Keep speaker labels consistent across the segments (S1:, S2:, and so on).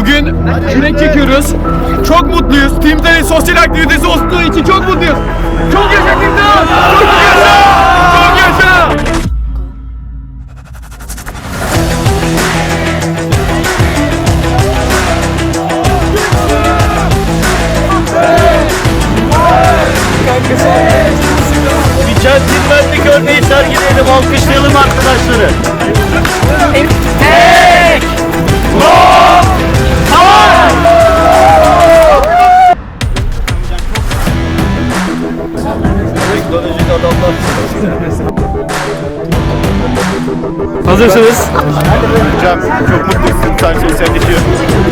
S1: Bugün kürek çekiyoruz. Çok mutluyuz. Team Talent sosyal aktivitesi olduğu için çok mutluyuz. Çok yaşa Team Talent! Çok yaşa! Çok yaşa!
S2: Bir centilmenlik örneği sergileyelim, alkışlayalım arkadaşları. Tek! Teknolojik adamlar.
S1: Hazırsınız.
S3: Hocam çok mutluysun. Sen sosyalleşiyorsun.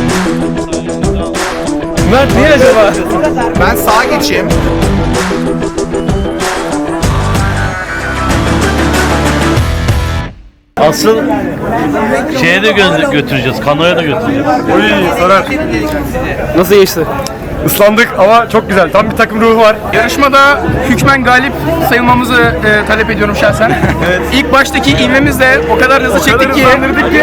S1: Mert niye acaba?
S3: Ben sağa geçeyim.
S2: Asıl şeye de götüreceğiz, kanoya da götüreceğiz.
S1: Oy Soner. Nasıl geçti? Islandık ama çok güzel. Tam bir takım ruhu var.
S4: Yarışmada hükmen galip sayılmamızı talep ediyorum şahsen. İlk baştaki ivmemizle o kadar hızlı çektik ki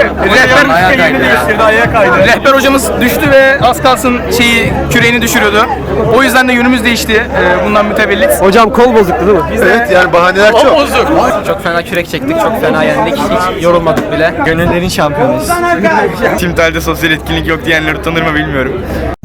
S4: rehber hocamız düştü ve az kalsın küreğini düşürüyordu. O yüzden de yönümüz değişti bundan mütevellit.
S1: Hocam kol bozuktu değil mi?
S3: Evet yani bahaneler çok.
S4: Çok fena kürek çektik, çok fena yendik. Hiç yorulmadık bile.
S1: Gönüllerin şampiyonuyuz.
S3: Team Talent'te sosyal etkinlik yok diyenler utanır mı bilmiyorum.